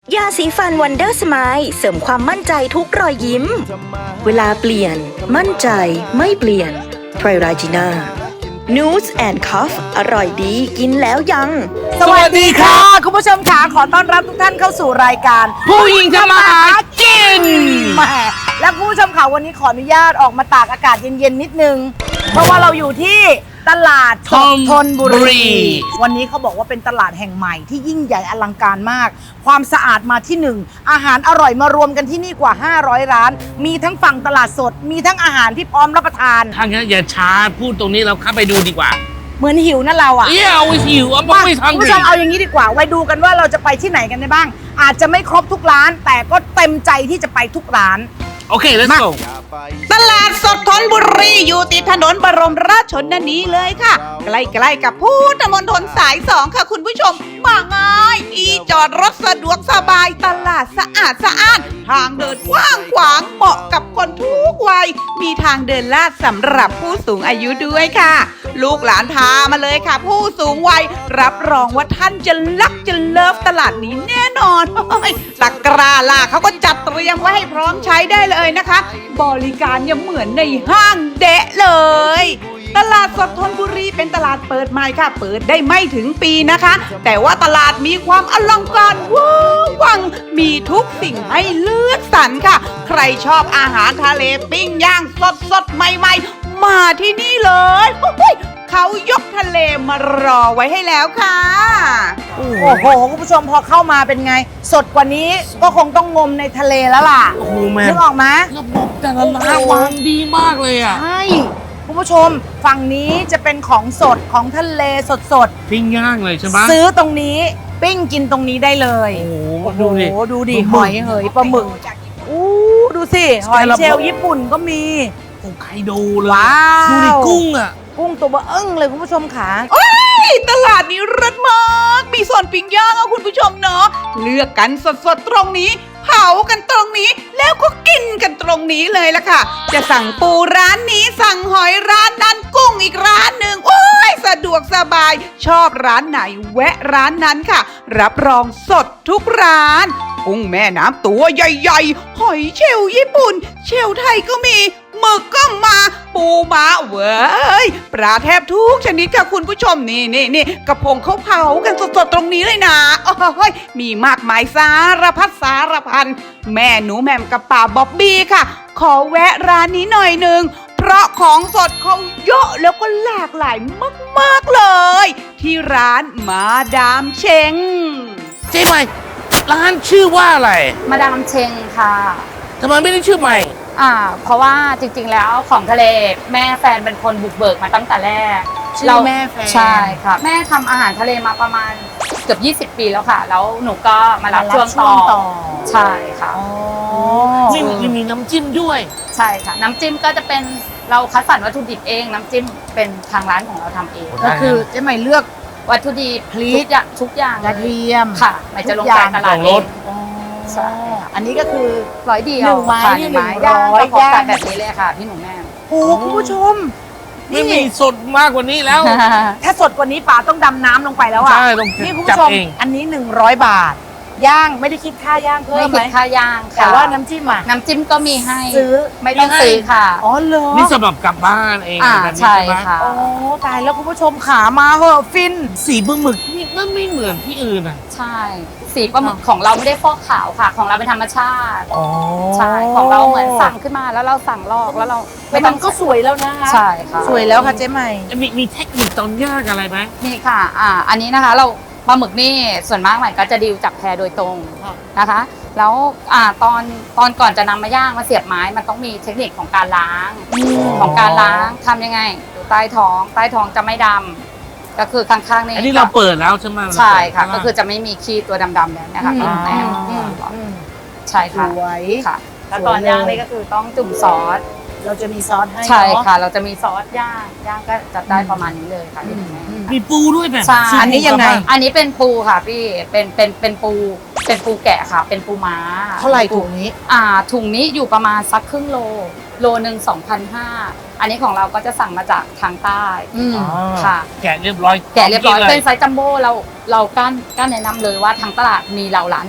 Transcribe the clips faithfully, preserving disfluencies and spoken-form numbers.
ยาสีฟันวันเดอร์สไมล์เสริมความมั่นใจทุกรอยยิ้มเวลาเปลี่ยนมั่นใจไม่เปลี่ยนไทรราจิน่านูสแอนด์คัฟอร่อยดีกินแล้วยังสวัสดีค่ะคุณผู้ชมค่ะขอต้อนรับทุกท่านเข้าสู่รายการผู้หญิงทำมาหากินแหมและคุณผู้ชมค่ะวันนี้ขออนุญาตออกมาตากอากาศเย็นๆนิดนึงเพราะว่าเราอยู่ที่ตลาดสดธนบุรีวันนี้เขาบอกว่าเป็นตลาดแห่งใหม่ที่ยิ่งใหญ่อลังการมากความสะอาดมาที่หนึ่งอาหารอร่อยมารวมกันที่นี่กว่าห้าร้อยร้านมีทั้งฝั่งตลาดสดมีทั้งอาหารที่พร้อมรับประทานทางนี้อย่าช้าพูดตรงนี้เราเข้าไปดูดีกว่าเหมือนหิวนะเราอ่ะเyeah always หิวอ่ะไม่ทันคุณผู้ชมเอาอย่างนี้ดีกว่าไว้ดูกันว่าเราจะไปที่ไหนกันได้บ้างอาจจะไม่ครบทุกร้านแต่ก็เต็มใจที่จะไปทุกร้านโอเค let's go ตลาดสดธนบุรีอยู่ติดถนนบรมราชชนนีเลยค่ะใกล้ๆกับพุทธมณฑลสายสองค่ะคุณผู้ชมมาง่ายที่จอดรถสะดวกสบายตลาดสะอาดสะอ้านทางเดินกว้างขวางเหมาะกับคนทุกวัยมีทางเดินลาดสำหรับผู้สูงอายุด้วยค่ะลูกหลานพามาเลยค่ะผู้สูงวัยรับรองว่าท่านจะรักจะเลิฟตลาดนี้แน่นอนตะกร้าล่ะเขาก็จัดเตรียมไว้ให้พร้อมใช้ได้เลยนะคะบริการยังเหมือนในห้างเดะเลยตลาดสดธนบุรีเป็นตลาดเปิดใหม่ค่ะเปิดได้ไม่ถึงปีนะคะแต่ว่าตลาดมีความอลังการว้าววังมีทุกสิ่งให้เลือกสรรค่ะใครชอบอาหารทะเลปิ้งย่างสดสดใหม่ๆมาที่นี่เลยเขายกทะเลมารอไว้ให้แล้วค่ะโอ้โหคุณผู้ชมพอเข้ามาเป็นไงสดกว่านี้ก็คงต้องงมในทะเลแล้วล่ะโอ้โหแม่นึกออกไหมระบบแต่ละร้านวางดีมากเลยอ่ะใช่คุณผู้ชมฝั่งนี้จะเป็นของสดของทะเลสดสดปิ้งย่างเลยใช่ไหมซื้อตรงนี้ปิ้งกินตรงนี้ได้เลยโอ้โหดูดิดูดิหอยเหยปลาหมึกอู้ดูสิหอยเชลล์ญี่ปุ่นก็มีโอ้ไคโดเลยว้าวดูดิกุ้งอ่ะกุ้งตัวเบ้อเอิ้งเลยคุณผู้ชมค่ะโอ้ยตลาดนี้รัดมากมีส่วนปิ้งย่างอ่ะคุณผู้ชมเนาะเลือกกันสดๆตรงนี้เผากันตรงนี้แล้วก็กินกันตรงนี้เลยล่ะค่ะจะสั่งปูร้านนี้สั่งหอยร้านนั้นกุ้งอีกร้านหนึ่งโอ้ยสะดวกสบายชอบร้านไหนแวะร้านนั้นค่ะรับรองสดทุกร้านกุ้งแม่น้ำตัวใหญ่ๆหอยเชลล์ญี่ปุ่นเชลล์ไทยก็มีหมึกก็มาปูม้าเว้ยปลาแทบทุกชนิดค่ะคุณผู้ชมนี่นี่นี่กระพงเขาเผากันสดๆตรงนี้เลยนะโอ้ยมีมากมายสารพัดสารพันแม่หนูแหม่มกับป่าบ๊อบบี้ค่ะขอแวะร้านนี้หน่อยหนึ่งเพราะของสดเขาเยอะแล้วก็หลากหลายมากๆเลยที่ร้านมาดามเชงเจ๊ใหม่ร้านชื่อว่าอะไรมาดามเชงค่ะทำไมไม่ได้ชื่อใหม่อ่าเพราะว่าจริงๆแล้วของทะเลแม่แฟนเป็นคนบุกเบิกมาตั้งแต่แรกชื่อแม่แฟนใช่ค่ะแม่ทำอาหารทะเลมาประมาณเกือบยี่สิบปีแล้วค่ะแล้วหนูก็มารับช่วงต่อใช่ค่ะมีมีน้ำจิ้มด้วยใช่ค่ะน้ำจิ้มก็จะเป็นเราคัดสรรวัตถุดิบเองน้ำจิ้มเป็นทางร้านของเราทำเองก็คือเจ๊ใหม่เลือกวัตถุดิบพริกทุกอย่างกระเทียมค่ะไม่จะลงไปตลาดเองใช่อันนี้ก็คือร้อยเดียวหนึ่งไม้หนึ่งไม้ย่างก็พอกันแบบนี้เลยค่ะพี่หนูแม่โอ้คุณผู้ชมไม่มีสดมากกว่านี้แล้วถ้าสดกว่านี้ป๋าต้องดำน้ำลงไปแล้วอ่ะใช่ต้องนี่คุณผู้ชมอันนี้หนึ่งร้อยบาทย่างไม่ได้คิดค่าย่างเพิ่มไหมไม่คิดค่าย่างแต่ว่าน้ำจิ้มอ่ะน้ำจิ้มก็มีให้ซื้อไม่ต้องซื้อค่ะอ๋อเหรอนี่สำหรับกลับบ้านเองใช่ค่ะโอ้ตายแล้วคุณผู้ชมขามาเหอะฟินสีปลาหมึกนี่ก็ไม่เหมือนที่อื่นอ่ะใช่สีปลาหมึกของเราไม่ได้ฟอกขาวค่ะของเราเป็นธรรมชาติใช่ของเราเหมือนสั่งขึ้นมาแล้วเราสั่งลอกแล้วเราไม่ต้องก็สวยแล้วนะคะใช่ค่ะสวยแล้วค่ะเจ๊ใหม่มีมีเทคนิคตอนย่างอะไรไหมมีค่ะอ่าอันนี้นะคะเราปลาหมึกนี่ส่วนมากใหม่ก็จะดิวจับแพโดยตรงนะคะแล้วอ่าตอนตอนก่อนจะนำมาย่างมาเสียบไม้มันต้องมีเทคนิคของการล้างของการล้างทำยังไงดูใต้ท้องใต้ท้องจะไม่ดำก็คือข้างๆนี่อันนี้เราเปิดแล้วใช่ไหมใช่ค่ะก็คือจะไม่มีขี้ตัวดำๆแล้วนะคะพี่แม่ใช่ค่ะค่ะแล้วตอนย่างนี่ก็คือต้องจุ่มซอสเราจะมีซอสให้ใช่ค่ะเราจะมีซอสย่างย่างก็จะได้ประมาณนี้เลยค่ะพี่แม่มีปูด้วยแบบใช่อันนี้ยังไงอันนี้เป็นปูค่ะพี่เป็นเป็นเป็นปูเป็นปูแกะค่ะเป็นปูม้าเท่าไหร่ถุงนี้อ่าถุงนี้อยู่ประมาณสักครึ่งโลโลหนึ่งสองพันห้าอันนี้ของเราก็จะสั่งมาจากทางใต้ค่ะแกะเรียบร้อยแกะเรียบร้อยเป็นไซส์จัมโบ้เราเรากั้นกั้นแนะนำเลยว่าทางตลาดมีเราร้านเดียว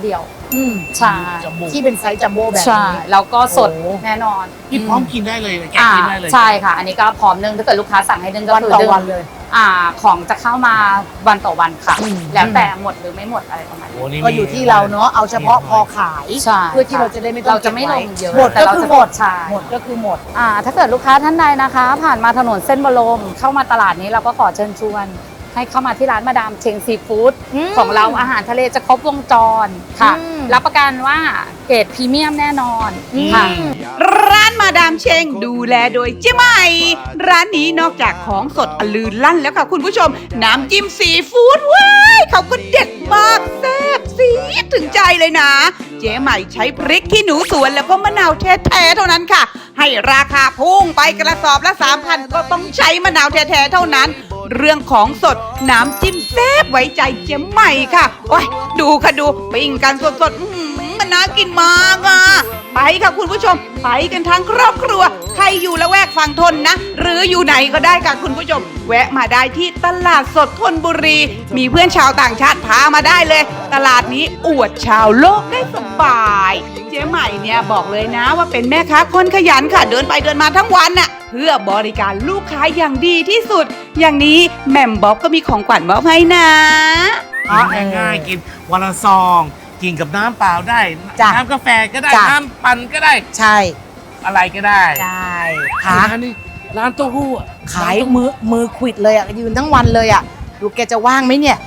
อืมใช่จัมโบ้ที่เป็นไซส์จัมโบ้แบบใช่นี้แล้วก็สดโอ้แน่นอนนี่พร้อมกินได้เลยแกะอ่ากินได้เลยใช่ค่ะ อันนี้ก็พร้อมนึ่งถ้าเกิดลูกค้าสั่งให้นึ่งก็วันคือต่อนึ่งวันเลยอ่าของจะเข้ามาวันต่อวันค่ะอืมแล้วแต่หมดหรือไม่หมดอะไรประมาณโอ้นี้นี่ก็อยู่ที่เราเนาะเอาเฉพาะพอขายใช่เพื่อที่เราจะได้ไม่ต้องเราจะไม่ลงเยอะหมดแต่ก็เราคือจะหมดใช่หมดก็คือหมดอ่าถ้าเกิดลูกค้าท่านใดนะคะ ผ่านมาถนนเส้นบรมเข้ามาตลาดนี้เราก็ขอเชิญชวน ให้เข้ามาที่ร้านมาดามเชงซีฟู้ดอืมของเราอาหารทะเลจะครบวงจรค่ะอืมรับประกันว่าเกรดพรีเมียมแน่นอนอืมค่ะร้านมาดามเชงดูแลโดยเจ๊ใหม่ ร้านนี้นอกจากของสดอลือลั่นแล้วค่ะคุณผู้ชม น้ำจิ้มซีฟู้ดว้ายเขาก็เด็ดมากแซ่บซีดถึงใจเลยนะ เจ๊ใหม่ใช้พริกขี้หนูสวนแล้วก็มะนาวแท้ๆเท่านั้นค่ะ ให้ราคาพุ่งไปกระสอบละสามพันก็ต้องใช้มะนาวแท้ๆเท่านั้น เรื่องของสดน้ำจิ้มแซ่บไว้ใจเจ๊ใหม่ค่ะโอ้ยดูค่ะดูปิ้งกันสดๆอื้อหือมันน่ากินมากอ่ะ ไปค่ะคุณผู้ชม ไปกันทั้งครอบครัว ใครอยู่ละแวกฝั่งทนนะ หรืออยู่ไหนก็ได้ค่ะคุณผู้ชม แวะมาได้ที่ตลาดสดธนบุรี มีเพื่อนชาวต่างชาติพามาได้เลย ตลาดนี้อวดชาวโลกได้สบาย เจ๊ใหม่เนี่ยบอกเลยนะว่าเป็นแม่ค้าคนขยันค่ะ เดินไปเดินมาทั้งวันน่ะ เพื่อบริการลูกค้าอย่างดีที่สุด อย่างนี้แหม่มบ๊อบก็มีของขวัญมอบให้นะกินง่ายๆกินวันละซอง กินกับน้ำเปล่าได้จ้ะน้ำกาแฟก็ได้จ้ะน้ำปั่นก็ได้ใช่อะไรก็ได้ใช่ร้าค่ะนนี้ร้านเต้าหู้อะขายมือมือขวิดเลยอ่ะยืนทั้งวันเลยอ่ะดูแกจะว่างไหมเนี่ย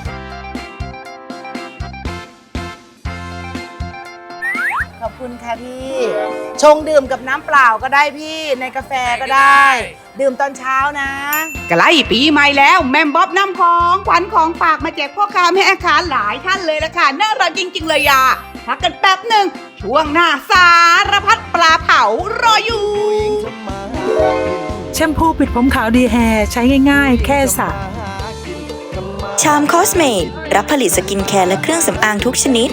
ขอบคุณค่ะพี่ ชงดื่มกับน้ำเปล่าก็ได้พี่ในกาแฟก็ได้ ดื่มตอนเช้านะใกล้ปีใหม่แล้วแม่มบ๊อบนำของขวัญของฝากมาแจกพ่อค้าแม่ค้าหลายท่านเลยละค่ะน่ารักจริง ๆ เลยอ่ะพักกันแป๊บหนึ่งช่วงหน้าสารพัดปลาเผารออยู่แชมพูปิดผมขาวดีแฮร์ใช้ง่ายๆ แค่สระชามคอสเมดรับผลิตสกินแคร์และเครื่องสำอางทุกชนิด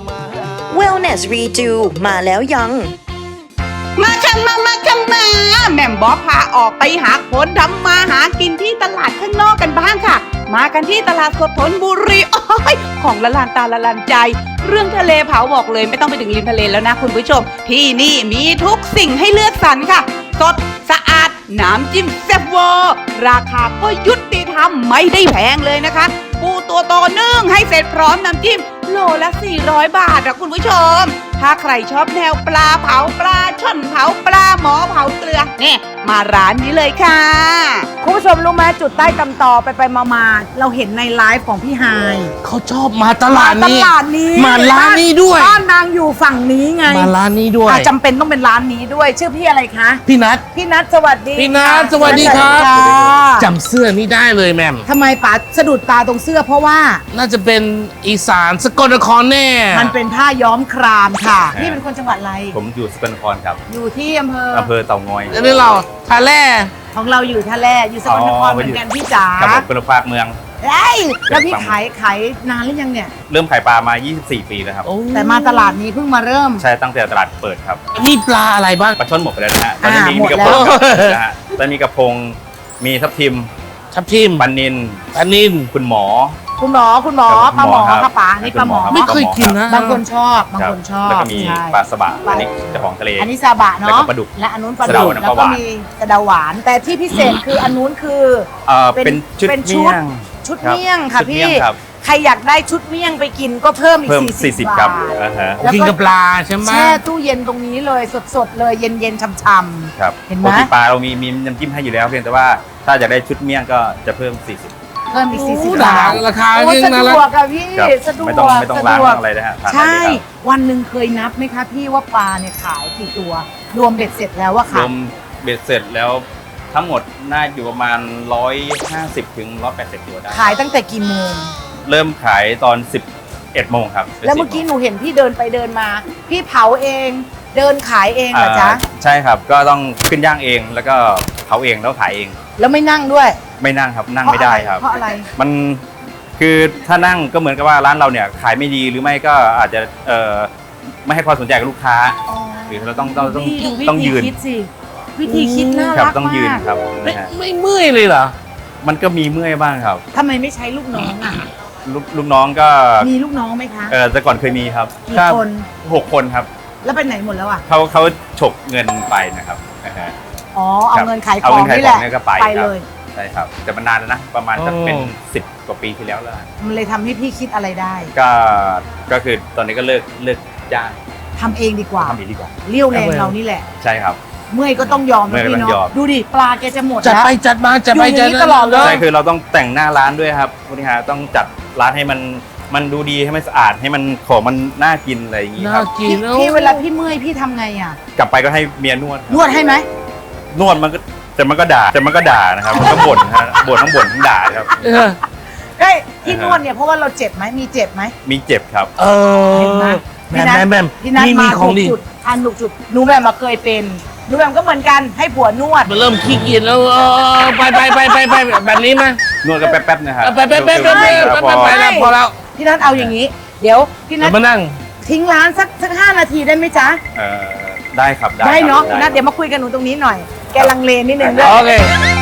Wellness Redo มาแล้วยังมาค่ะมามาค่ะมาแม่มบ๊อบพาออกไปหาคนทำมาหากินที่ตลาดข้างนอกกันบ้างค่ะ มากันที่ตลาดสดธนบุรีโอ้ยของละลานตาละลานใจ เรื่องทะเลเผาบอกเลยไม่ต้องไปถึงริมทะเลแล้วนะคุณผู้ชม ที่นี่มีทุกสิ่งให้เลือกสรรค่ะ สดสะอาดน้ำจิ้มแซ่บเวอร์ราคาก็ยุติธรรมไม่ได้แพงเลยนะคะ ปูตัวโตนึ่งให้เสร็จพร้อมน้ำจิ้มโลละสี่ร้อยบาทนะคุณผู้ชม ถ้าใครชอบแนวปลาเผาปลาช่อนเผาปลาหมอเผาเกลือเนี่ยมาร้านนี้เลยค่ะคุณผู้ชมรู้ไหมจุดใต้ตำตอไปไปมามาเราเห็นในไลฟ์ของพี่ไฮายเขาชอบมาตลาดตนี้ลาดนี้มาร้านนี้ด้วยบ้านนางอยู่ฝั่งนี้ไงมาร้านนี้ด้วยอ่ะจำเป็นต้องเป็นร้านนี้ด้วย ชื่อพี่อะไรคะพี่นัทพี่นัทสวัสดีพี่นัทค่ะสวัสดีครับสวัสดีค่ะจำเสื้อนี้ได้เลยแม่มทำไมป๋าสะดุดตาตรงเสื้อเพราะว่าน่าจะเป็นอีสานสกลนครแน่มันเป็นผ้าย้อมครามค่ะ พี่เป็นคนจังหวัดอะไรผมอยู่สกลนครครับอยู่ที่อำเภออำเภอเต่างอยแล้วนี่เราทาแร่ของเราอยู่ท่าแร่อยู่สกลนครอ๋อเหมือนกันพี่จ๋าครับผมเป็นภาคเมืองเอ้ยแล้วพี่ขายขายนานหรือยังเนี่ยเริ่มขายปลามา ยี่สิบสี่ ปีแล้วครับโอ้แต่มาตลาดนี้เพิ่งมาเริ่มใช่ตั้งแต่ตลาดเปิดครับนี่ปลาอะไรบ้างปลาช่อนหมดไปแล้วนะฮะ ตอนนี้อ่ามีหมมีดกระแล้พวงนะฮะตอนนี้กระพง มีทับทิมทับทิมปันนินปลานินคุณหมอคุณหมอคุณหมอครับปลาหมอคุณหมอครับค่ะป๋านี่ปลาหมอคุณหมอไม่เคยกินนะบางคนชอบบางรับคนชอบแล้วก็มีใช่ปลาสบะปลาอันนี้เจ้าของทะเลอันนี้ซาบะแล้วเนาะก็ปลาดุกและอันนู้นปลาสะดุเดาก แล้วก็แล้วหก็วานมีสะเดาหวาน แต่ที่พิเศษคืออันนู้นคือเอ่อเป็นเป็นชุดเป็นชุเมี่ดยงชุดรับเมี่ยงค่ะชุดพี่เมี่ยงครับใครอยากได้ชุดเมี่ยงไปกินก็เพิ่มอีกเพิ่มสี่สิบสี่สิบบาครับทอ่าฮะแล้วก็กินกับปลาใช่ไหมแช่ตู้เย็นตรงนี้เลยสดๆเลยเย็นๆช่ำครับเห็นไหมปกติปลาเรามีมีน้ำจิ้มให้อยู่แล้วเพียงแต่ว่าถ้าอยากได้ชุดเมี่ยงก็จะเพิ่ม สี่สิบๆเพิ่มอีกสี่สิบโอ้บาทราคาโอ้ยิ่งสะน่าดรักวกอะพี่ครับสะดวกไม่ต้องไม่ต้องสะล้างดวไม่กต้องอะไรนะฮะทานได้ใช่เลยครับวันหนึ่งเคยนับไหมคะพี่ว่าปลาเนี่ยขายกี่ตัว รวมเบ็ดเสร็จแล้วว่ารค่ะวมเบ็ดเสร็จแล้วทั้งหมดน่าอยู่ประมาณ หนึ่งร้อยห้าสิบ ถึง หนึ่งร้อยแปดสิบ ตัวได้ขายตั้งแต่กี่โมงเริ่มขายตอน สิบเอ็ด โมงครับแล้วเมื่อกี้หนูเห็นพี่เดินไปเดินมา พี่เผาเอง เดินขายเองเหรอจ๊ะอ่าใช่ครับ ก็ต้องขึ้นย่างเองแล้วก็เผาเองแล้วขายเองแล้วไม่นั่งด้วยไม่นั่งครับนั่งไม่ได้ครับเพราะอะไรมันคือถ้านั่งก็เหมือนกับว่าร้านเราเนี่ยขายไม่ดีหรือไม่ก็อาจจะเอ่อไม่ให้ความสนใจกับลูกค้า หรือเราต้องต้องต้องดูวิต้องธียืนคิดสิวิธีคิดน่าครับรักต้องยืนมากครับไม่นะฮะไม่เมื่อยเลยเหรอมันก็มีเมื่อยบ้างครับทำไมไม่ใช้ลูกน้องอ่ะลูกลูกน้องก็มีลูกน้องไหมคะเออแต่ก่อนเคยมีครับกี่คนหกคนครับแล้วไปไหนหมดแล้วอ่ะเขาเขาฉกเงินไปนะครับนะฮะอ๋อเอาครับเงินขายขเอาองเงินขายนี่แหละของเนี่ยก็ไปไปครับเลยใช่ครับแต่มันนานแล้วนะประมาณจะเป็นสิบกว่าปีที่แล้วแล้วมันเลยทำให้พี่คิดอะไรได้ก็ก็คือตอนนี้ก็เลิกเลิกจ้างทำเองดีกว่าทำเองดีกว่าเลี้ยวแรงเรานี่แหละใช่ครับเมื่อยก็ต้องยอมเมื่นะอยก็พี่ต้องยอเนาะมดูดิปลาแกจะหมดจัดแล้วไปจัดมาจัดไปอยู่อจัย่าดงนี้ตลอดเลยใช่คือเราต้องแต่งหน้าร้านด้วยครับคุณฮะต้องจัดร้านให้มันมันดูดีให้มันสะอาดให้มันของมันน่ากินอะไรอย่างงี้คน่ารับกิพี่นแล้วพี่เวลาพี่เมื่อยพี่ทำไงอ่ะกลับไปก็ให้เมียนวดครับนวดให้ไหมนวดมันก็แต่มันก็ด่าแต่มันก็ด่านะครับมันก็บ่นฮะบ่นทั้งบ่นทั้งด่าครับเออเฮ้ยที่นวดเนี่ยเพราะว่าเราเจ็บไหมมีเจ็บไหมมีเจ็บครับเอเห็นไหมอแม่แม่แม่พี่นัทนี่มีมาของถูกดีจุดอันถูกจุดหนูแหม่มมาเคยเป็นหนูแหม่มก็เหมือนกันให้ผัวนวดมันเริ่มขี้เกียจแล้วเออไปไปไปไปไปแบบนี้มั้ยนวดกันแป๊บๆนะครับไปไปไปไปไปไปไปแล้วพอแล้วพี่นัทเอาอย่างนี้ เดี๋ยวพี่นัเดี๋ทยวมานั่งทิ้งร้านสักสักห้านาทีได้ไหมจ๊ะเอ่อได้ครับได้ได้เนาะครับพี่นัทเดี๋ยวมาคุยกันหนูตรงนี้หน่อยแกลังเลนิดนึงด้วยโอเค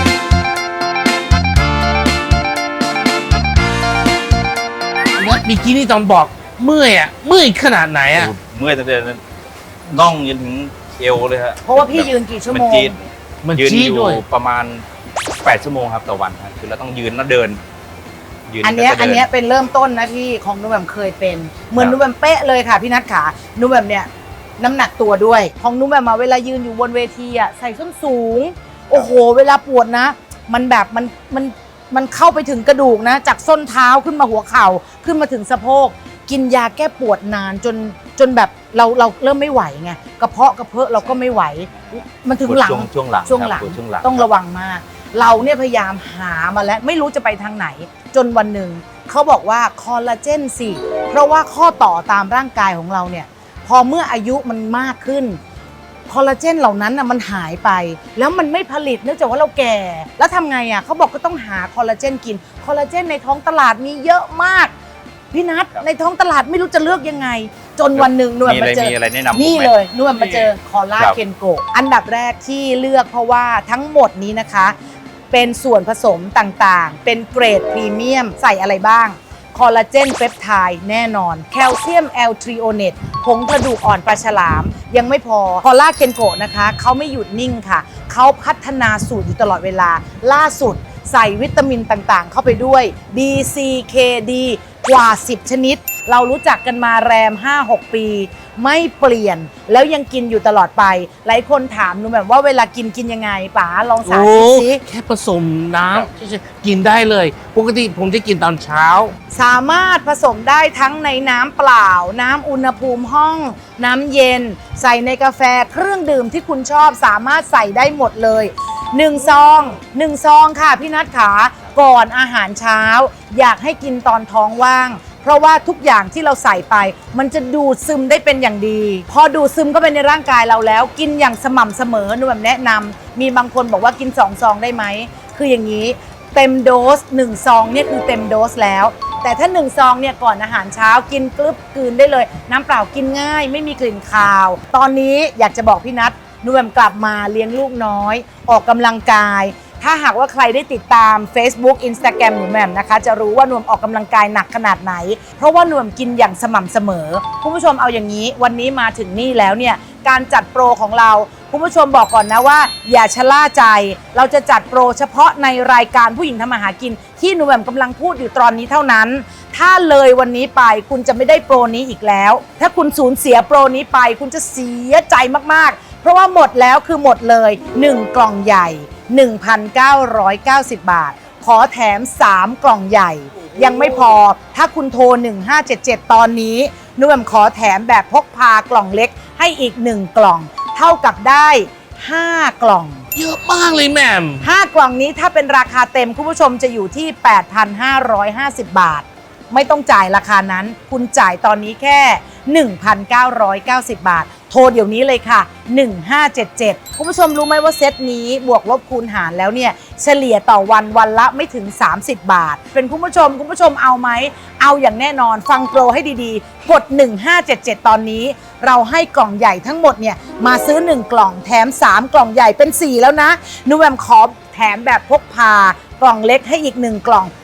นัดเมื่อกี้นี่ตอนบอกเมื่อยอ่ะเมื่อยขนาดไหนอ่ะเมื่อยตั้งแต่น่องยันถึงเอวเลยฮะเพราะว่าพี่ยืนกี่ชั่วโมงนจี๊ดมันยืนชี้อยู่ด้วยประมาณแปดชั่วโมงครับต่อวันครับคือเราต้องยืนแล้วเดินยือันเนี้ยแล้วก็อันดิเนี้ยเป็นเริ่มต้นนะพี่ของหนูแหม่มเคยเป็นเหมือนครับหนูแหม่มเป๊ะเลยค่ะพี่นัทขาหนูแหม่มเนี่ยน้ำหนักตัวด้วยของหนูแหม่มมาเวลายืนอยู่บนเวทีอ่ะใส่ส้นสูง โอ้โห เวลาปวดนะ มันแบบมันมันมันเข้าไปถึงกระดูกนะ จากส้นเท้าขึ้นมาหัวเข่าขึ้นมาถึงสะโพกกินยาแก้ปวดนานจนจนแบบเราเราเริ่มไม่ไหวไงกระเพาะกระเพาะเราก็ไม่ไหว มันถึงหลังช่วงช่วงหลังช่วงหลังครับช่วงหลังต้องระวังมาก เราเนี่ยพยายามหามาแล้วไม่รู้จะไปทางไหน จนวันหนึ่งเขาบอกว่าคอลลาเจนสิเพราะว่าข้อต่อตามร่างกายของเราเนี่ยพอเมื่ออายุมันมากขึ้นคอลลาเจนเหล่านั้นน่ะมันหายไป แล้วมันไม่ผลิตเนื่องจากว่าเราแก่ แล้วทำไงอ่ะเขาบอกก็ต้องหาคอลลาเจนกินคอลลาเจนในท้องตลาดมีเยอะมากพี่นัทครับในท้องตลาดไม่รู้จะเลือกยังไง จนวันหนึ่งหน่วยมีมาอะไรเจอมีอะไรแนะนำผมไหมนี่เลยนวลมาเจอคอลลาครับเคนโกอันดับแรกที่เลือกเพราะว่าทั้งหมดนี้นะคะ เป็นส่วนผสมต่างๆ เป็นเกรดพรีเมียมใส่อะไรบ้าง คอลลาเจนเปปไทด์แน่นอน แคลเซียมแอลทริโอเนตผงกระดูกอ่อนปลาฉลาม ยังไม่พอ คอลลาเคนโกนะคะเขาไม่หยุดนิ่งค่ะ เขาพัฒนาสูตรอยู่ตลอดเวลา ล่าสุดใส่วิตามินต่างๆ เข้าไปด้วย B C K D กว่า สิบ ชนิด เรารู้จักกันมาแรม ห้าหก ปี ไม่เปลี่ยนแล้วยังกินอยู่ตลอดไป หลายคนถามหนูแบบว่าเวลากินกินยังไงป๋าลองสาโอ้ธิตสิแค่ผสมน้ำกินได้เลย ปกติผมจะกินตอนเช้าสามารถผสมได้ทั้งในน้ำเปล่า น้ำอุณหภูมิห้อง น้ำเย็น ใส่ในกาแฟเครื่องดื่มที่คุณชอบสามารถใส่ได้หมดเลยหนึ่งซองหนึ่งซองค่ะพี่นัทขาก่อนอาหารเช้า อยากให้กินตอนท้องว่าง เพราะว่าทุกอย่างที่เราใส่ไป มันจะดูดซึมได้เป็นอย่างดี พอดูดซึมเข้าไปในร่างกายเราแล้ว กินอย่างสม่ำเสมอหนูแบบแนะนำมีบางคนบอกว่ากินสองซองได้ไหมคืออย่างนี้ เต็มโดสหนึ่งซองเนี่ยคือเต็มโดสแล้ว แต่ถ้าหนึ่งซองเนี่ยก่อนอาหารเช้ากินกรึบกลืนได้เลย น้ำเปล่ากินง่าย ไม่มีกลิ่นคาว ตอนนี้อยากจะบอกพี่นัทหนูแหม่มกลับมาเลี้ยงลูกน้อย ออกกำลังกาย ถ้าหากว่าใครได้ติดตาม Facebook Instagram หนูแหม่มนะคะจะรู้ว่าหนูแหม่มออกกำลังกายหนักขนาดไหน เพราะว่าหนูแหม่มกินอย่างสม่ำเสมอคุณผู้ชมเอาอย่างนี้วันนี้มาถึงนี่แล้วเนี่ยการจัดโปรของเราคุณผู้ชมบอกก่อนนะว่าอย่าชะล่าใจเราจะจัดโปรเฉพาะในรายการผู้หญิงทำมาหากินที่หนูแหม่มกำลังพูดอยู่ตอนนี้เท่านั้น ถ้าเลยวันนี้ไปคุณจะไม่ได้โปรนี้อีกแล้ว ถ้าคุณสูญเสียโปรนี้ไปคุณจะเสียใจมากๆเพราะว่าหมดแล้วคือหมดเลยหนึ่งกล่องใหญ่ หนึ่งพันเก้าร้อยเก้าสิบ บาทขอแถมสามกล่องใหญ่ยังไม่พอถ้าคุณโทรหนึ่งห้าเจ็ดเจ็ดตอนนี้หนูแหม่มขอแถมแบบพกพากล่องเล็กให้อีกหนึ่งกล่องเท่ากับได้ห้ากล่องเยอะมากเลยแม่มห้ากล่องนี้ถ้าเป็นราคาเต็มคุณผู้ชมจะอยู่ที่ แปดพันห้าร้อยห้าสิบ บาทไม่ต้องจ่ายราคานั้นคุณจ่ายตอนนี้แค่ หนึ่งพันเก้าร้อยเก้าสิบ บาทโทรเดี๋ยวนี้เลยค่ะหนึ่งห้าเจ็ดเจ็ดคุณผู้ชมรู้ไหมว่าเซตนี้บวกลบคูณหารแล้วเนี่ยเฉลี่ยต่อวันวันละไม่ถึงสามสิบบาทเป็นคุณผู้ชมคุณผู้ชมเอาไหมเอาอย่างแน่นอนฟังโปรให้ดีๆกดหนึ่งห้าเจ็ดเจ็ดตอนนี้เราให้กล่องใหญ่ทั้งหมดเนี่ยมาซื้อหนึ่งกล่องแถมสามกล่องใหญ่เป็นสี่แล้วนะหนูแหม่มขอแถมแบบพกพากล่องเล็กให้อีกหนึ่งกล่อง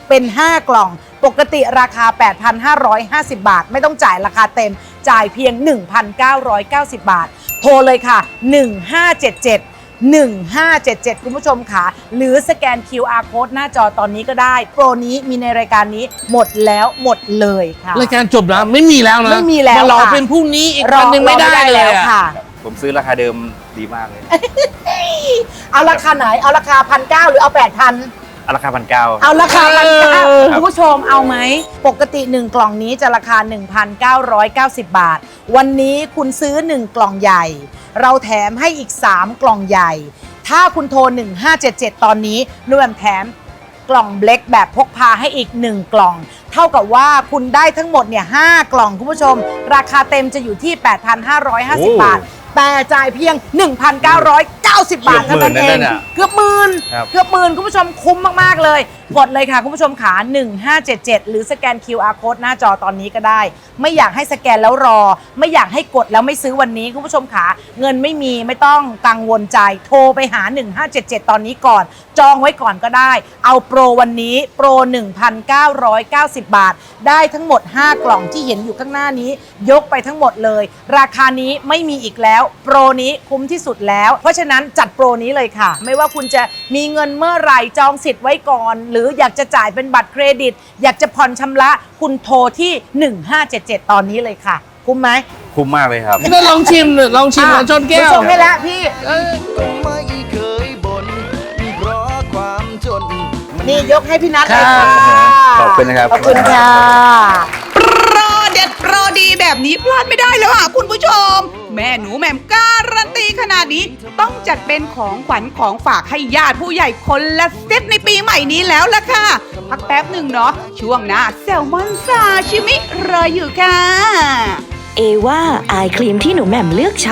เป็น ห้ากล่องปกติราคา แปดพันห้าร้อยห้าสิบ บาทไม่ต้องจ่ายราคาเต็มจ่ายเพียง หนึ่งพันเก้าร้อยเก้าสิบ บาทโทรเลยค่ะหนึ่งห้าเจ็ดเจ็ด หนึ่งห้าเจ็ดเจ็ดคุณผู้ชมค่ะหรือสแกน คิว อาร์ Code หน้าจอตอนนี้ก็ได้โปรนี้มีในรายการนี้หมดแล้วหมดเลยค่ะรายการจบแล้วไม่มีแล้วนะไม่มีแล้วมารอค่ะเป็นพรุ่งนี้อีกรอวันหนึ่งไม่ได้รอเลยแล้วอะค่ะผมซื้อราคาเดิมดีมากเลยเอาราคาไหนเอาราคาพันเก้าหรือเอาแปดพันเอาราคาพันเก้าเอาราคาพันเก้าเออคุณผู้ชมเอาไหมปกติหนึ่งกล่องนี้จะราคา หนึ่งพันเก้าร้อยเก้าสิบ บาทวันนี้คุณซื้อหนึ่งกล่องใหญ่เราแถมให้อีกสามกล่องใหญ่ถ้าคุณโทรหนึ่งห้าเจ็ดเจ็ดตอนนี้นุ่มแถมกล่องเบล็กแบบพกพาให้อีกหนึ่งกล่องเท่ากับว่าคุณได้ทั้งหมดเนี่ยห้ากล่องคุณผู้ชมราคาเต็มจะอยู่ที่ แปดพันห้าร้อยห้าสิบ บาทแต่จ่ายเพียง หนึ่งพันเก้าร้อยเก้าสิบ บาทเท่านั้นเองเกือบหมื่นครับเกือบหมื่นคุณผู้ชมคุ้มมากๆเลยกดเลยค่ะคุณผู้ชมขาหนึ่งห้าเจ็ดเจ็ดหรือสแกน คิว อาร์ Code หน้าจอตอนนี้ก็ได้ไม่อยากให้สแกนแล้วรอไม่อยากให้กดแล้วไม่ซื้อวันนี้คุณผู้ชมขาเงินไม่มีไม่ต้องกังวลใจโทรไปหาหนึ่งห้าเจ็ดเจ็ดตอนนี้ก่อนจองไว้ก่อนก็ได้เอาโปรวันนี้โปร หนึ่งพันเก้าร้อยเก้าสิบ บาทได้ทั้งหมดห้ากล่องที่เห็นอยู่ข้างหน้านี้ยกไปทั้งหมดเลยราคานี้ไม่มีอีกแล้วโปรนี้คุ้มที่สุดแล้วเพราะฉะนั้นจัดโปรนี้เลยค่ะไม่ว่าคุณจะมีเงินเมื่อไหร่จองสิทธิ์ไว้ก่อนหรืออยากจะจ่ายเป็นบัตรเครดิตอยากจะผ่อนชำระคุณโทรที่หนึ่งห้าเจ็ดเจ็ดตอนนี้เลยค่ะคุ้มไหมคุ้มมากเลยครับนี่ลองชิมหน่อยลองชิมนะชนแก้วชมให้แล้วพี่ไม่เคยบ่นเพราะความจนนี่ยกให้พี่นัทเลยค่ะขอบคุณนะครับขอบคุณค่ะโปรเด็ดโปรดีแบบนี้พลาดไม่ได้แล้วค่ะคุณผู้ชม แม่หนูแหม่มการันตีขนาดนี้ต้องจัดเป็นของขวัญของฝากให้ญาติผู้ใหญ่คนละเซตในปีใหม่นี้แล้วล่ะค่ะ พักแป๊บหนึ่งเนาะช่วงหน้าแซลมอนซาชิมิรออยู่ค่ะเอว่าอายครีมที่หนูแหม่มเลือกใช้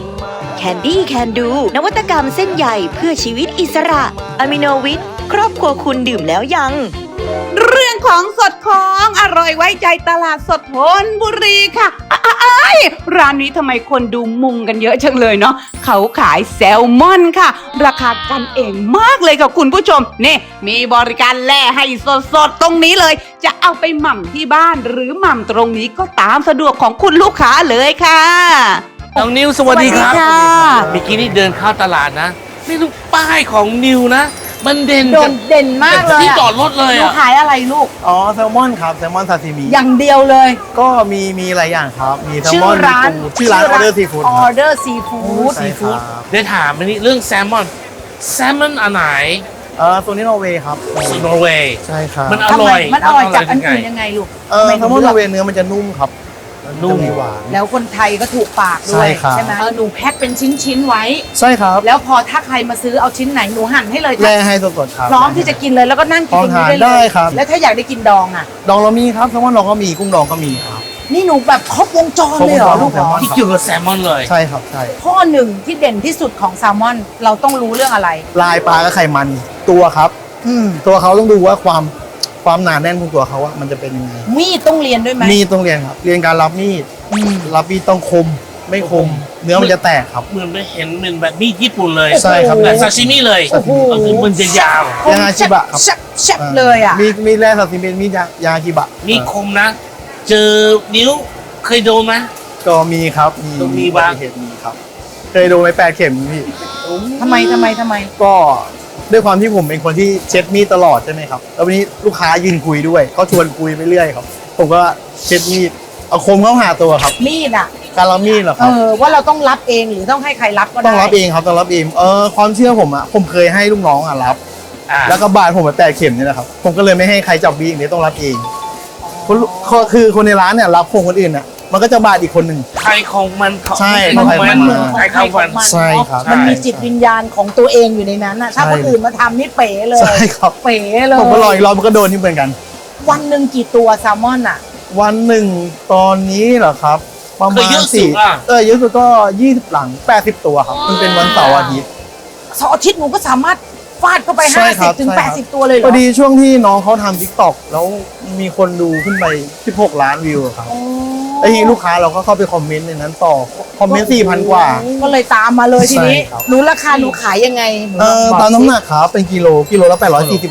Candy Can Do นวัตกรรมเส้นใยเพื่อชีวิตอิสระอะมิโนวิทครอบครัวคุณดื่มแล้วยังเรื่องของสดของอร่อยไว้ใจตลาดสดธนบุรีค่ะอ้ายร้านนี้ทำไมคนดูมุงกันเยอะจังเลยเนาะเขาขายแซลมอนค่ะ ราคากันเองมากเลยค่ะคุณผู้ชมนี่มีบริการแล่ให้สดๆตรงนี้เลย จะเอาไปหม่ำที่บ้านหรือหม่ำตรงนี้ก็ตามสะดวกของคุณลูกค้าเลยค่ะน้องนิวสวัสดีครับสวัสดีค่ะเมื่อกี้นี่เดินเข้าตลาดนะนี่ลูกป้ายของนิวนะ มันเด่นโดนเด่นมากเลยที่อะจอดรถเลยหนูอ่ะขายอะไรลูกอ๋อแซลมอนครับแซลมอนซาซิมิอย่างเดียวเลยก็มีมีหลายอย่างครับ มีแซลชื่มออนร้านมีปูชื่อร้านออเดอร์ซีฟู้ดออเดอร์ซีฟู้ดใช่ครับเดี๋ยวถามอันนี้เรื่องแซลมอนแซลมอนอันไหนเออตัวนี้นอร์เวย์ครับนอร์เวย์ใช่ครับมันอทำร่ไมอยมันอร่อยจากอันไงอื่นยังไงลูกเออทำไมแซถึลงมอนนเลืออกร์เวย์เนื้อมันจะนุ่มครับนุ่มจะมีหวานแล้วคนไทยก็ถูกปากด้วยใช่ครับไหมเออหนูแพ็คเป็นชิ้นๆไว้ใช่ครับแล้วพอถ้าใครมาซื้อเอาชิ้นไหนหนูหั่นให้เลยแร่ให้สดๆครับพร้อมที่จะกินเลยแล้วก็นั่งกินตรงนี้ได้พร้อมทานได้เลยครับแล้วถ้าอยากได้กินดองอ่ะดองเรามีครับแซลมอนดองก็มีกุ้งดองก็มีครับนี่หนูแบบครบวงจรเลยเหรอครบวงจรลูกเหรอของแซลมอนที่เกี่ยวกับแซลมอนเลยใช่ครับใช่ข้อหนึ่งที่เด่นที่สุดของแซลมอน เราต้องรู้เรื่องอะไรลายปลากับไขมันตัวครับอืมตัวเขาต้องดูว่าความความหนาแน่นของตัวเขาว่ามันจะเป็นยังไงมีดต้องเรียนด้วยไหมมีดต้องเรียนครับ เรียนการรับมีดอืมรับมีดต้องคม ไม่คม เนื้อมันจะแตกครับเหมือนไปเห็นเป็นแบบมีดญี่ปุ่นเลยใช่ครับแต่ซาชิมิเลยโอ้โหก็คือมันจะยาวยาชิบะครับแซ่บแซ่บเลยอ่ะมีมีแร่สัตว์สิเป็นมีดยายากิบะมีคมนะ เจอนิ้วเคยโดนไหมก็มีครับ มีต้องมีบ้างอุบัติเหตุมีครับ เคยโดนไปแปดเข็มพี่ทำไมทำไมทำไมก็ด้วยความที่ผมเป็นคนที่เช็ดมีดตลอดใช่ไหมครับ แล้ววันนี้ลูกค้ายืนคุยด้วยเขาชวนคุยไปเรื่อยครับ ผมก็เช็ดมีด เอาคมเข้าหาตัวครับมีดอ่ะการรับมีดเหรอคเอรับอว่าเราต้องรับเองหรือต้องให้ใครรับก็ได้ต้องรับเองครับ ต้องรับเอง เออความเชื่อผมอะผมเคยให้ลูกน้องอะรับอ่าแล้วก็บาดผมไปแปดเข็มนี่แหละครับ ผมก็เลยไม่ให้ใครจับบีอย่างนี้ต้องรับเองคนคนคือคนในร้านเนี่ยรับคนคนอื่นน่ะ มันก็จะบาดอีกคนหนึ่งใครของมันของใช่มันใครของมันใครของมันใช่ครับมันมีจิตวิญญาณของตัวเองอยู่ในนั้นน่ะถ้าใช่คนอื่นมาทำนี่เป๋เลยใช่ครับเป๋เลยผมก็รออีกรอบมันก็โดนที่เหมือนกันวันหนึ่งกี่ตัวแซลมอนอ่ะวันหนึ่งตอนนี้เหรอครับ ประเคยมาเยณอะสุสี่ดอ่ะเออเยอะสุดก็ยี่สิบหลังแปดสิบตัวครับมันเป็นวันเสาร์อาทิตย์เสาร์อาทิตย์หนูก็สามารถฟาดเข้าไปใช่ห้าคสิรับบ ถึงใช่แปคดรับสิบตัวเลยเหรพออดีช่วงที่น้องเขาทำทิกตอกแล้วมีคนดูขึ้นไปสิบหกล้านวิวอะครับโอ้ไอ้ทีนี้ลูกค้าเราก็เข้าไปคอมเมนต์ในนั้นต่อคอมเมนต์สี่พันกว่าก็เลยตามมาเลยทีนี้ใช่ครับหนูราคาหนูขายยังไงหนูเออบอกตามสิน้ำหนักครับเป็นกิโลกิโลละแปดร้อยสี่สิบบาทครับ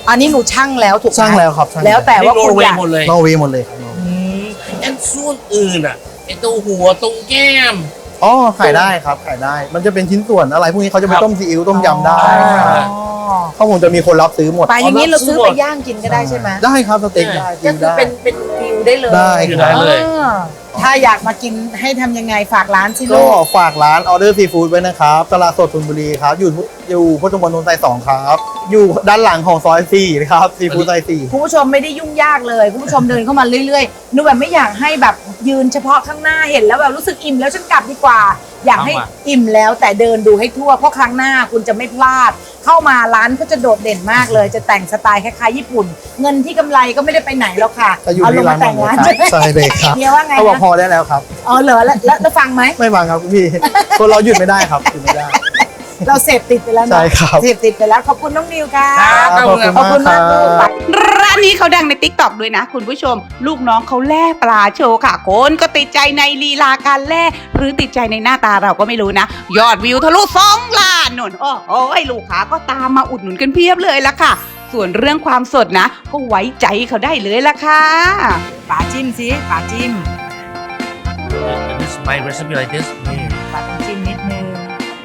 อันนี้หนูช่างแล้วถูกไหมช่างแล้วครับช่างแล้วแล้วแต่ว่าคุณอยากหมดเลยนอร์เวย์หมดเลยครับอืมอันส่วนอื่นอ่ะไอตัวหัวตรงแก้มอ๋อขายได้ครับขายได้ มันจะเป็นชิ้นส่วนอะไรพวกนี้เขาจะไปต้มซีอิ๊วต้มยำได้ครับข้าวหมูจะมีคนรับซื้อหมดปลาอย่างนี้เราซื้อไปย่างกินก็ได้ใช่ไหมได้ครับสเต็กได้ก็คือเป็นเป็นฟิวได้เลยได้ได้เลยอ่าถ้าอยากมากินให้ทำยังไงฝากร้านสิก็ลูกฝากร้านออเดอร์ซีฟู้ดไว้นะครับตลาดสดธนบุรีครับอยู่อยู่พุทธมณฑลสายสองครับ อยู่ด้านหลังของซอยสี่นะครับซีฟู้ดซอยสี่คุณผู้ชมไม่ได้ยุ่งยากเลยคุณผู้ชมเดินเข้ามาเรื่อยๆหนูแบบไม่อยากให้แบบยืนเฉพาะข้างหน้าเห็นแล้วแบบรู้สึกอิ่มแล้วฉันกลับดีกว่า อยากให้เอามาอิ่มแล้วแต่เดินดูให้ทั่วเพราะครั้งหน้าคุณจะไม่พลาด เข้ามาร้านก็จะโดดเด่นมากเลย จะแต่งสไตล์คล้ายๆญี่ปุ่น เงินที่กำไรก็ไม่ได้ไปไหนแล้วค่ะจะอยู่เอาลที่งร้ามาน แต่งร้านหมดเลยครับใช่เลยครับเฮียว่าไงเขาบอกนะพอได้แล้วครับอ๋อเหรอแล้วแล้วแล้วฟังไหมไม่ฟังครับพี่ คนเราหยุดไม่ได้ครับหยุดไม่ได้เราเสพติดไปแล้วเนอะใช่ครับเสพติดไปแล้วขอบคุณน้องนิวค่ะครับขอบคุณขอบคุณมากมากคลูกรับร้านนี้เขาดังในติ๊กต็อกด้วยนะคุณผู้ชม ลูกน้องเขาแล่ปลาโชว์ค่ะคนก็ติดใจในลีลาการแล่หรือติดใจในหน้าตาเราก็ไม่รู้นะ ยอดวิวทะลุสองล้านนนโอ้โหลูกค้าก็ตามมาอุดหนุนกันเพียบเลยละค่ะ ส่วนเรื่องความสดนะ ก็ไว้ใจเขาได้เลยละค่ะป๋าจิ้มสิป๋าจิ้ม This is my recipe like this นี่ป๋าต้องจิ้มนิดนึง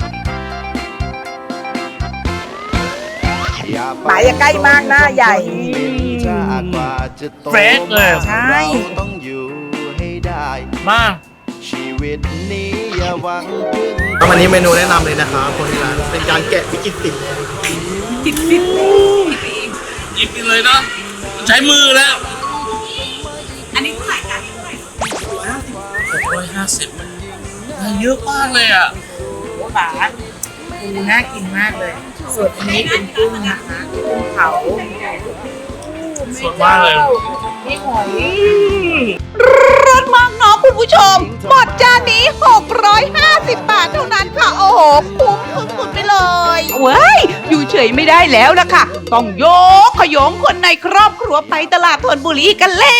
ป๋าอย่าใกล้มากหน้าใหญ่เฟรชเลยใช่ต้องอยู่ให้ได้มากชีวิตนี้อย่าหวังพึ่งวันนี้เมนูแนะนำเลยนะครับคนที่ร้านเป็นการแกะพริกกินติดหยิบกินเลยเนาะใช้มือแล้วอันนี้เท่าไหร่คะหกร้อยห้าสิบได้เยอะมากเลยอ่ะป๋าปูน่ากินมากเลย ส่วนอันนี้เป็นกุ้งนะคะกุ้งเผาสดมากเลยนี่หอยรสมากเนาะคุณผู้ชม หมดจานนี้ หกร้อยห้าสิบบาทเท่านั้นค่ะ โอ้โห คุ้มสุดๆไปเลยเว้ย อยู่เฉยไม่ได้แล้วล่ะค่ะ ต้องโยกขยงคนในครอบครัวไปตลาดธนบุรีกันแล้ว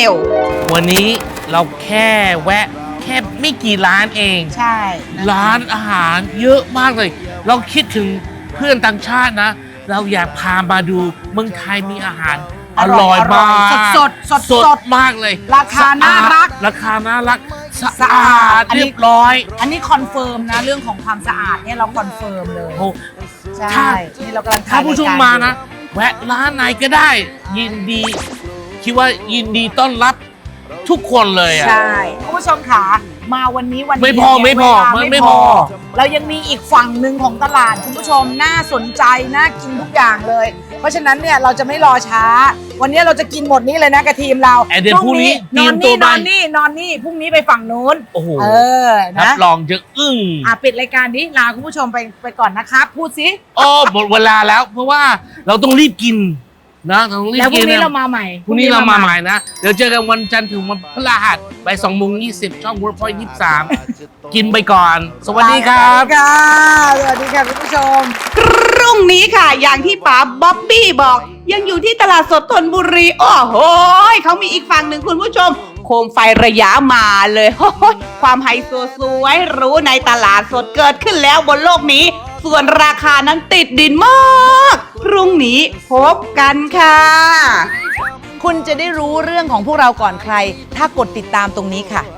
วันนี้เราแค่แวะ แค่ไม่กี่ร้านเองใช่นะคะร้านอาหารเยอะมากเลย เราคิดถึงเพื่อนต่างชาตินะ เราอยากพามาดูเมืองไทยมีอาหารอร่อยมากสดสดสดสสดดมากเลยราคาน่ารักราคาน่ารัก สะสะอาอาดดเรียบร้อยอันนี้คอนเฟิร์มนะ เรื่องของความสะอาดเนี่ยเราคอนเฟิร์มเลยโอ้ใช่ถ้านี่เรากำลังถ้าผู้ชมถ่ยรยกรมานะ แวะร้านไหนก็ได้ ยินดี คิดว่ายินดีต้อนรับทุกคนเลยอ่ะใช่คุณผู้ชมค่ะมาวันนี้วันนี้ไม่พอเนี่ยไม่พอเวลามันไม่พอเรายังมีอีกฝั่งหนึ่งของตลาดคุณผู้ชมน่าสนใจน่ากินทุกอย่างเลย เพราะฉะนั้นเนี่ยเราจะไม่รอช้า วันนี้เราจะกินหมดนี้เลยนะกับทีมเราแอนเดี๋ยวพรุ่งนี้นอนเตรีนี่ยมตัวนอนนี่นอนนี่พรุ่งนี้ไปฝั่งนู้นโอ้โหเออรันะบรองจะอึ้งอ่ะปิดรายการนี้ลาคุณผู้ชมไปไปก่อนนะครับ พูดสิโอ้หมดเวลาแล้ว เพราะว่าเราต้องรีบกินนะเราต้องรีบแล้วพกิรุ่นงนี้นะเรามาใหม่พรุ่งนี้เรามาใหม่นะ เดี๋ยวเจอกันวันจันทร์ถึงวันพฤหัสบ่ายสองโมงยี่สิบช่อง Workpoint ยี่สิบสามกินไปก่อน สวัสดีครับค่ะสวัสดีค่ะคุณผู้ชมพรุ่งนี้ค่ะ อย่างที่ป๋าบ๊อบบี้บอก ยังอยู่ที่ตลาดสดธนบุรี โอ้โหเขามีอีกฝั่งหนึ่งคุณผู้ชม โคมไฟระยะมาเลยโอ้โหความไฮโซสวยหรู้ในตลาดสดเกิดขึ้นแล้วบนโลกนี้ ส่วนราคานั้นติดดินมาก พรุ่งนี้พบกันค่ะคุณจะได้รู้เรื่องของพวกเราก่อนใคร ถ้ากดติดตามตรงนี้ค่ะ